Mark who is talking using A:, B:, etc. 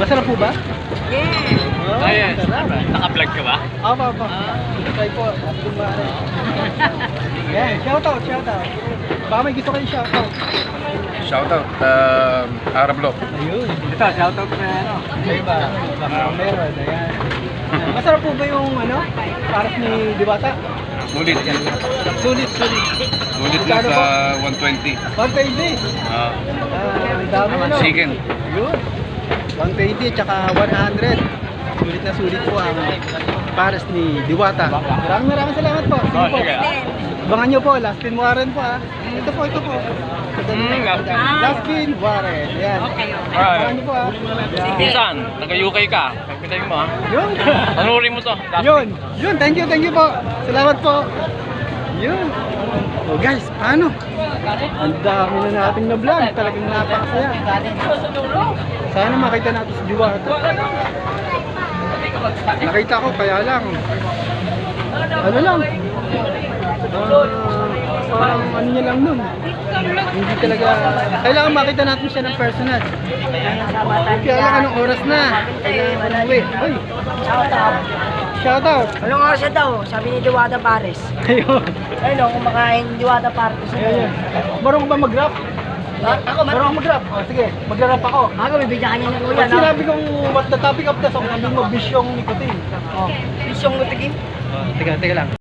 A: Masarap po ba?
B: Yeah.
A: Oh,
C: Ayan.
A: sarap.
C: Naka-vlog ka ba?
A: Apa. Try po. Kumare. Yan, shoutout. Baka may gusto kayo shoutout.
D: Shoutout, Arab Law.
A: Ayun.
C: Ito, shoutout na ano.
A: Kayo ba? Baka meron. Ayan. Masarap po ba yung pares ni Diwata?
D: Sulit.
A: Sulit.
D: Sulit na sa 120.
A: 120. Ang dami
D: Chicken.
A: Yun. 120 tsaka 100. Sulit po ang pares ni Diwata. Maraming salamat po. Sige po.
C: sige.
A: Abangan nyo po, Last Pin Warren po Ito po. Last Pin Warren. Yan. Abangan nyo po Yan.
C: Minsan, taga-UK ka. Pagpitayin mo ha.
A: Yun.
C: Tanurin mo to.
A: Yun. Thank you po. Salamat po. Yun. So guys, paano? Ang dami na nating na vlog. Talagang napakasaya. Sana makita natin si Diwata. Nakita ko, kaya lang. Ano lang? Parang ano niya lang nun. Hindi talaga. Kailangan makita natin siya ng personal. Kaya lang anong oras na. Kailangan umuwi. Uy, shoutout.
B: Anong oras na daw? Sabi ni Diwata Pares.
A: Ayun.
B: Ayun, kumakain Diwata Pares.
A: Ayun. Marunong ba mag-rap?
B: Ako,
A: Marunong mag-rap? Sige, mag-rap ako.
B: Ako, bibigyan ka niya ng kuya.
A: Pag sinabi kong what the topic of the song, sabi mo bisyong nicotine.
B: Bisyong mutigin.
A: Teka lang.